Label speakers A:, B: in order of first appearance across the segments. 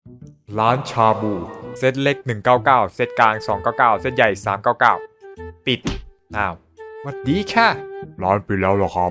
A: ร้านชาบูเซตเล็ก199เซตกลาง299เซตใหญ่399ปิดอ้าวสวัสดีค่ะร้านปิดแล้วเหรอครับ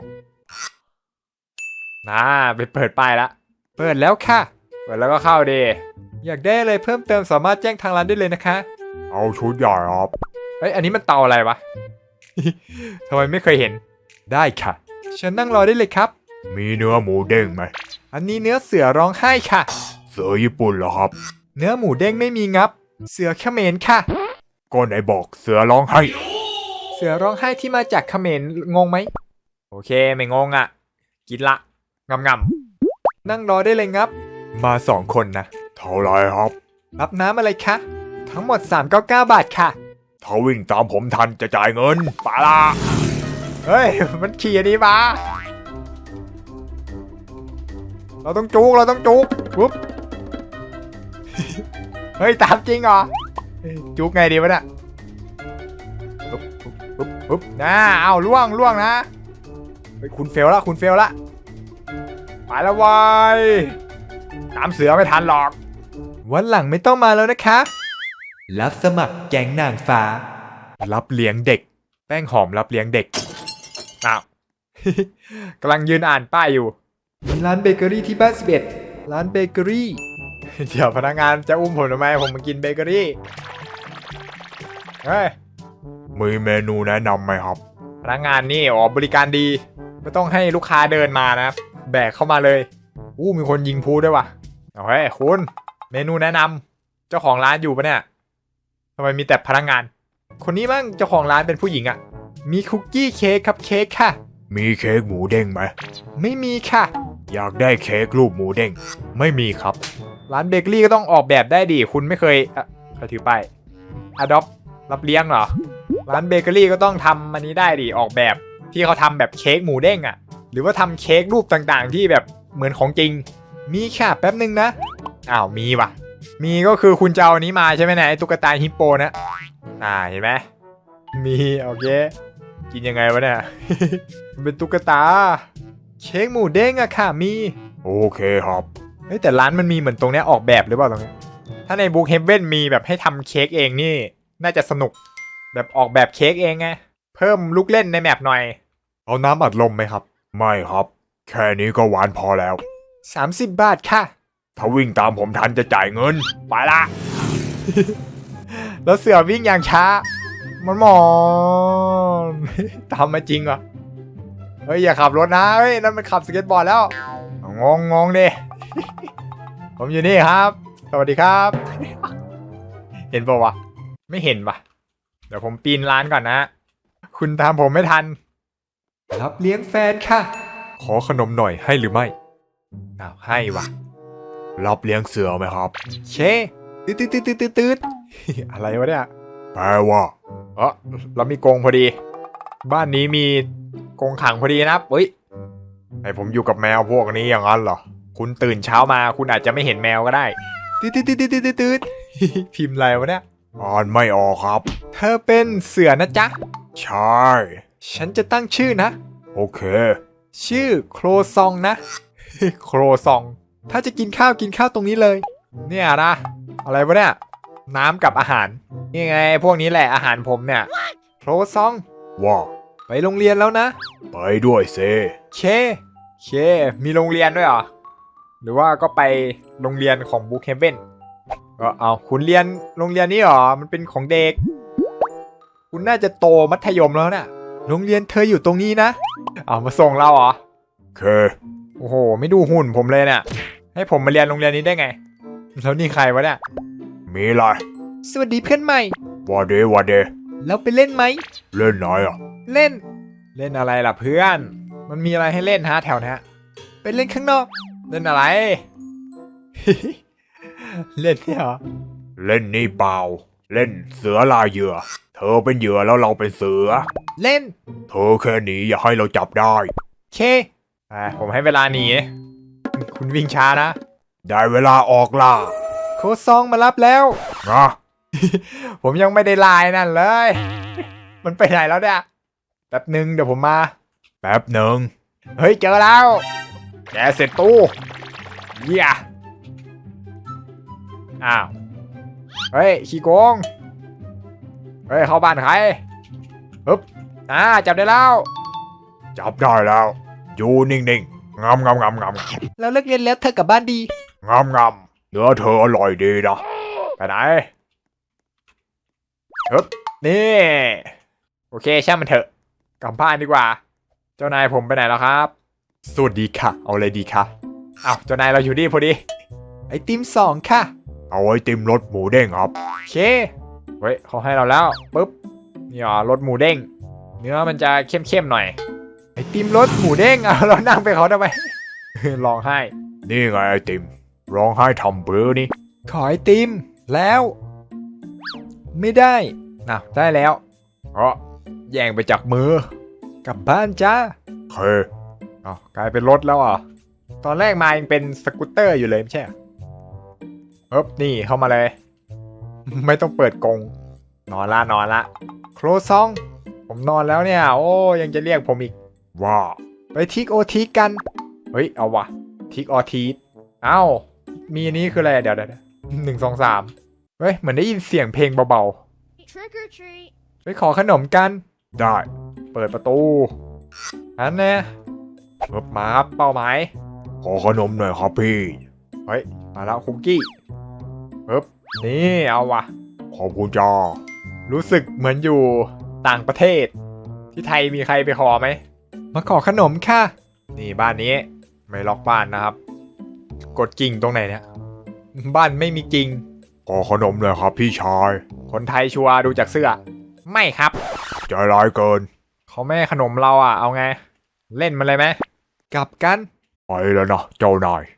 A: ไปเปิดป้ายละเปิดแล้วค่ะเปิดแล้วก็เข้าดีอยากได้อะไรเพิ่มเติมสามารถแจ้งทางร้านได้เลยนะคะเอาชุดใหญ่ครับอันนี้มันเตาอะไรวะ ทำไมไม่เคยเห็นได้ค่ะฉันนั่งรอได้เลยครับมีเนื้อหมูเด้งไหมอันนี้เนื้อเสือร้องไห้ค่ะเสือญี่ปุ่นเหรอครับเนื้อหมูเด้งไม่มีงับเสือเขมรค่ะก็ไหนบอกเสือร้องไห้เสือร้องไห้ที่มาจากเขมรงงไหมโอเคไม่งงอ่ะกินละงำนั่งรอได้เลยงับมา2คนนะเท่าไรครับรับน้ำอะไรคะทั้งหมด399บาทค่ะถ้าวิ่งตามผมทันจะจ่ายเงินปาละเฮ้ยมันขี่อันนี้มาเราต้องจุกปุ๊บ เฮ้ยตามจริงเหรอจุกไงดีวะเนี่ยปุ๊บเอาล่วงนะเฮ้ยคุณเฟลละไปแล้ววายตามเสือไม่ทันหรอกวันหลังไม่ต้องมาแล้วนะคะรับสมัครแก๊งนางฟ้ารับเลี้ยงเด็กแป้งหอมรับเลี้ยงเด็กอ้าว กำลังยืนอ่านป้ายอยู่มีร้านเบเกอรี่ที่บ้าน11ร้านเบเกอรี่ เดี๋ยวพนักงานจะอุ้มผมทำไมผมมากินเบเกอรี่เฮ้ยมีเมนูแนะนำไหมครับพนักงานนี่บริการดีไม่ต้องให้ลูกค้าเดินมานะแบกเข้ามาเลยมีคนยิงพูด้วยว่ะเฮ้ยคุณเมนูแนะนำเจ้าของร้านอยู่ปะเนี่ยทำไมมีแต่พนักงานคนนี้มั่งเจ้าของร้านเป็นผู้หญิงอ่ะมีคุกกี้เค้กครับเค้กค่ะมีเค้กหมูเด้งไหมไม่มีค่ะอยากได้เค้กรูปหมูเด้งไม่มีครับร้านเบเกอรี่ก็ต้องออกแบบได้ดิคุณไม่เคยใครถือป้าย Adopt รับเลี้ยงเหรอร้านเบเกอรี่ก็ต้องทำอันนี้ได้ดิออกแบบที่เขาทำแบบเค้กหมูเด้งอ่ะหรือว่าทำเค้กรูปต่างๆที่แบบเหมือนของจริงมีค่ะแป๊บนึงนะมีว่ะมีก็คือคุณจะเอาอันนี้มาใช่ไหมเนี่ยไอ้ตุ๊กตาฮิปโปนะเห็นไหมมีโอเคกินยังไงวะเนี่ย เป็นตุ๊กตาเค้กหมูเด้งอะค่ะมีโอเคครับแต่ร้านมันมีเหมือนตรงนี้ออกแบบหรือเปล่าตรงนี้ถ้าในบุ๊กเฮเว่นมีแบบให้ทำเค้กเองนี่น่าจะสนุกแบบออกแบบเค้กเองไงเพิ่มลูกเล่นในแมปหน่อยเอาน้ำอัดลมไหมครับไม่ครับแค่นี้ก็หวานพอแล้ว30 บาทค่ะถ้าวิ่งตามผมทันจะจ่ายเงินไปละ แล้วเสือวิ่งอย่างช้ามันหมอนตามมาจริงเหรอเฮ้ยอย่าขับรถนะเฮ้ยนั่นมันขับสเก็ตบอร์ดแล้วงงดิ ผมอยู่นี่ครับสวัสดีครับ เห็นป่าวะไม่เห็นปะเดี๋ยวผมปีนร้านก่อนนะคุณตามผมไม่ทันรับเลี้ยงแฟนค่ะขอขนมหน่อยให้หรือไม่ให้วะรับเลี้ยงเสือไหมครับเช่ตืด อะไรวะเนี่ยแปลว่าเรามีกรงพอดีบ้านนี้มีกรงขังพอดีนะเฮ้ยให้ผมอยู่กับแมวพวกนี้อย่างนั้นเหรอคุณตื่นเช้ามาคุณอาจจะไม่เห็นแมวก็ได้ตืด พิมพ์อะไรวะเนี่ยอ่านไม่ออกครับเธอเป็นเสือนะจ๊ะใช่ฉันจะตั้งชื่อนะโอเคชื่อโครซองนะ โครซองถ้าจะกินข้าวตรงนี้เลยเนี่ยนะอะไรวะเนี่ยน้ำกับอาหารนี่ไงพวกนี้แหละอาหารผมเนี่ยโครซองว่าไปโรงเรียนแล้วนะไปด้วยเซเคมีโรงเรียนด้วยเหรอหรือว่าก็ไปโรงเรียนของบุ๊กเฮเว่นก็คุณเรียนโรงเรียนนี้เหรอมันเป็นของเด็กคุณน่าจะโตมัธยมแล้วนะโรงเรียนเธออยู่ตรงนี้นะมาส่งเราเหรอเคโอ้โหไม่ดูหุ่นผมเลยเนี่ยให้ผมมาเรียนโรงเรียนนี้ได้ไงแล้วนี่ใครวะเนี่ยมีอะไรสวัสดีเพื่อนใหม่วาเดแล้วไปเล่นไหมเล่นไหนเล่นอะไรล่ะเพื่อนมันมีอะไรให้เล่นฮะแถวนี้ไปเล่นข้างนอกเล่นอะไร เล่นเนี่ยเหรอเล่นนี่เปล่าเล่นเสือลายเหยื่อเธอเป็นเหยื่อแล้วเราเป็นเสือเล่นเธอแค่หนีอย่าให้เราจับได้ผมให้เวลาหนีคุณวิ่งช้านะได้เวลาออกล่าโค้ชซองมารับแล้วนะ ผมยังไม่ได้ไลน์นั่นเลย มันไปไหนแล้วเนี่ยแป๊บหนึ่งเดี๋ยวผมมาแป๊บหนึ่งเฮ้ยเจอแล้วแกเสร็จตู้เยี่ยอ้าวเฮ้ยขี้โกงเฮ้ยเข้าบ้านใครปึ๊บจับได้แล้วจับได้แล้วอยู่นิ่งๆงำ
B: แล้วเลิกเรียนแล้วเธอกลับบ้านดี
A: งำเนื้อเธออร่อยดีนะไปไหนปึ๊บนี่โอเคช่างมันเถอะกลับบ้านดีกว่าเจ้านายผมไปไหนแล้วครับสวัสดีค่ะเอาอะไรดีคะอ้าวเจ้านายเราอยู่นี่พอดี
B: ไอติม2ค่ะ
A: เอาไอติมรสหมูเด้งครับโอเคเฮ้ยเขาให้เราแล้วปึ๊บนี่อ๋อรสหมูเด้งเนื้อมันจะเข้มๆหน่อยไอติมรสหมูเด้งเรานั่งไปเขาทำไม ร้องไห้นี่ไงไอติมร้องไห้ทำเบอร์นี่
B: ขอไอติมแล้วไม่ได้
A: ได้แล้วแย่งไปจากมื
B: อกลับบ้านจ้า
A: เคกลายเป็นรถแล้วตอนแรกมายังเป็นสกูตเตอร์อยู่เลยไม่ใช่นี่เข้ามาเลย ไม่ต้องเปิดกรงนอนละ
B: โครซอง
A: ผมนอนแล้วเนี่ยโอ้ยังจะเรียกผมอีกว่า
B: ไปทิกโอทีกัน
A: เฮ้ยเอาวะทิกออทีมีอันนี้คืออะไรเดี๋ยว1 2 3เฮ้ยเหมือนได้ยินเสียงเพลงเบาๆไปขอขนมกันได้เปิดประตูอันแน่มาครับเป้าหมายขอขนมหน่อยครับพี่เฮ้ยมาแล้วคุกกี้นี่เอาวะขอบคุณจ้ารู้สึกเหมือนอยู่ต่างประเทศที่ไทยมีใครไปขอไหม
B: มาขอขนมค่ะ
A: นี่บ้านนี้ไม่ล็อกบ้านนะครับกดกิ่งตรงไหนเนี่ยบ้านไม่มีกิ่งขอขนมเลยครับพี่ชายคนไทยชัวร์ดูจากเสื้อไม่ครับใจร้ายเกินเขาไม่ให้ขนมเราเอาไงเล่นมันเลยไหม
B: กลับกัน
A: ไปแล้วนะเจ้านาย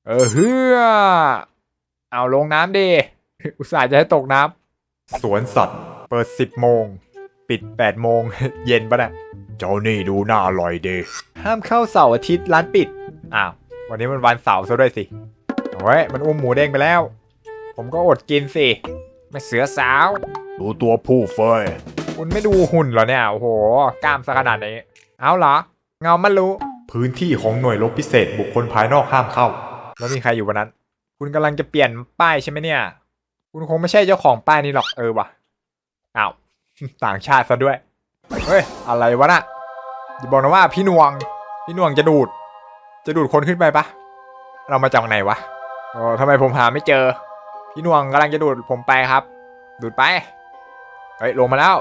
A: เอาลงน้ำดิอุตส่าห์จะให้ตกน้ำสวนสัตว์เปิด10 โมงปิด8 โมง เย็นปะเนี่ยเจ้านี่ดูน่าอร่อยดี
B: ห้ามเข้าเสาร์อาทิตย์ร้านปิด
A: วันนี้มันวันเสาร์ซะด้วยสิเฮ้ยมันอุ้มหมูเด้งไปแล้วผมก็อดกินสิไม่เสือสาวดูตัวผู้เฟยคุณไม่ดูหุ่นเหรอเนี่ยโอ้โหกล้ามซะขนาดนี้เอาเหรอเงามันรู้พื้นที่ของหน่วยรบพิเศษบุคคลภายนอกห้ามเข้าแล้วมีใครอยู่วันนั้นคุณกำลังจะเปลี่ยนป้ายใช่ไหมเนี่ยคุณคงไม่ใช่เจ้าของป้ายนี้หรอกว่ะต่างชาติซะด้วยเฮ้ยอะไรวะน่ะอย่าบอกนะว่าพี่นวงจะดูดคนขึ้นไปปะเรามาจากไหนวะทำไมผมหาไม่เจอพี่นวงกำลังจะดูดผมไปครับดูดไปลงมาแล้ว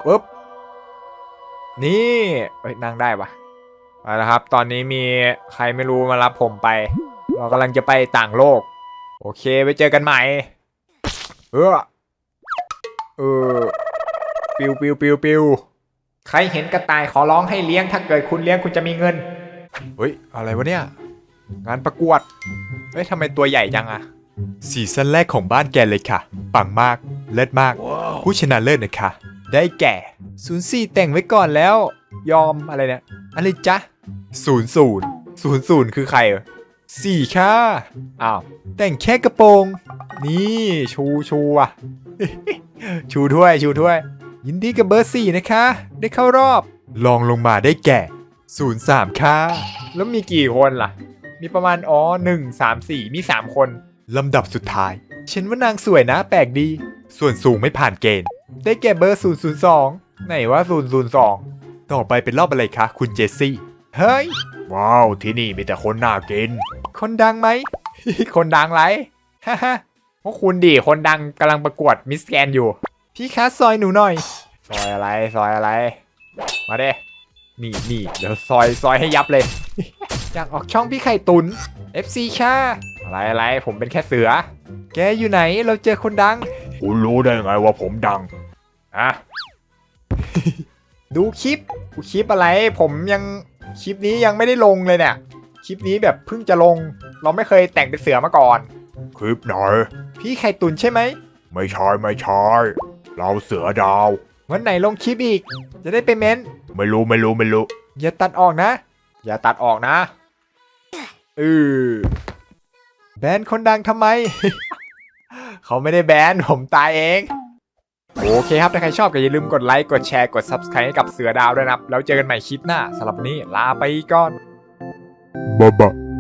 A: นี่นั่งได้ปะไปแล้วครับตอนนี้มีใครไม่รู้มารับผมไปเรากำลังจะไปต่างโลกโอเคไว้เจอกันใหม่ปิวใครเห็นกระต่ายขอร้องให้เลี้ยงถ้าเกิดคุณเลี้ยงคุณจะมีเงินอะไรวะเนี่ยงานประกวดทำไมตัวใหญ่จังซีซั่นแรกของบ้านแกเลยค่ะปังมากเลิศมาก ผู้ชนะเลิศนะคะได้แก่04แต่งไว้ก่อนแล้วยอมอะไรเนี่ยอะไรจ๊ะ00คือใคร4ค่ะแต่งแค่กระโปรงนี่ชูชูถ้วยยินดีกับเบอร์4นะคะได้เข้ารอบลองลงมาได้แก่03ค่ะแล้วมีกี่คนล่ะมีประมาณ1 3 4มี3คนลำดับสุดท้ายฉันว่านางสวยนะแปลกดีส่วนสูงไม่ผ่านเกณฑ์ได้แก่เบอร์002ไหนว่า002ต่อไปเป็นรอบอะไรคะคุณเจสซี่เฮ้ยว้าวที่นี่มีแต่คนน่ากินคนดังไหม คนดังไรฮ่าพวกคุณดิคนดังกำลังประกวดมิสแกรนด์อยู่พี่คะซอยหนูหน่อยซอยอะไรมาเด้นี่เดี๋ยวซอยให้ยับเลย อยากออกช่องพี่ไข่ตุน FC ค่ะอะไรผมเป็นแค่เสือแกอยู่ไหนเราเจอคนดังคุณรู้ได้ไงว่าผมดังดูคลิปอะไรผมยังคลิปนี้ยังไม่ได้ลงเลยเนี่ยคลิปนี้แบบเพิ่งจะลงเราไม่เคยแต่งเป็นเสือมาก่อนคลิปไหนพี่ไข่ตุนใช่ไหมไม่ใช่เราเสือดาววันไหนลงคลิปอีกจะได้ไปเม้นไม่รู้อย่าตัดออกนะแบนคนดังทำไม เขาไม่ได้แบนผมตายเองโอเคครับถ้าใครชอบก็อย่าลืมกดไลค์กดแชร์กด Subscribe ให้กับเสือดาวด้วยนะครับแล้วเจอกันใหม่คลิปหน้าสำหรับวันนี้ลาไปก่อนบ๊ายบาย